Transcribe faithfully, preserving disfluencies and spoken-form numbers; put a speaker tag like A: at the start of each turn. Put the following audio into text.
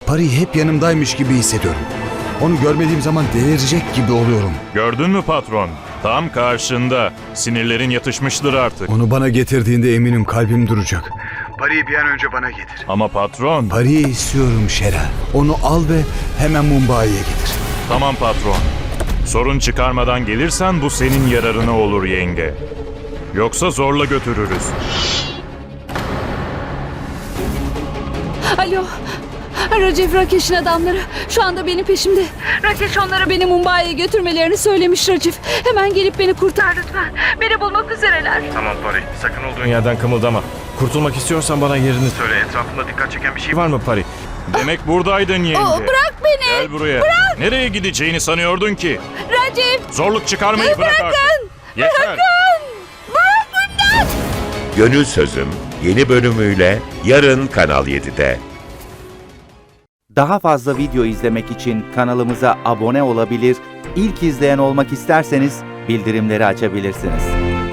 A: Pari hep yanımdaymış gibi hissediyorum. Onu görmediğim zaman delirecek gibi oluyorum.
B: Gördün mü patron? Tam karşında. Sinirlerin yatışmıştır artık.
A: Onu bana getirdiğinde eminim kalbim duracak. Pari'yi bir an önce bana getir.
B: Ama patron...
A: Pari'yi istiyorum Şera. Onu al ve hemen Mumbai'ye getir.
B: Tamam patron. Sorun çıkarmadan gelirsen bu senin yararına olur yenge. Yoksa zorla götürürüz.
C: Alo. Raciv Rakesh'in adamları şu anda benim peşimde. Rakesh onlara beni Mumbai'ye götürmelerini söylemiş Raciv. Hemen gelip beni kurtar lütfen. Beni bulmak üzereler.
D: Tamam Pari, sakın olduğun yerden kımıldama. Kurtulmak istiyorsan bana yerini söyle. Etrafında dikkat çeken bir şey var mı Pari?
B: Demek buradaydın yenge.
C: Aa, bırak beni.
B: Gel buraya.
C: Bırak.
B: Nereye gideceğini sanıyordun ki?
C: Raciv.
B: Zorluk çıkarmayı bırak
C: Bırakın.
B: artık. Yeter.
C: Bırakın. Bırakın.
E: Gönül Sözüm yeni bölümüyle yarın Kanal yedide.
F: Daha fazla video izlemek için kanalımıza abone olabilir, ilk izleyen olmak isterseniz bildirimleri açabilirsiniz.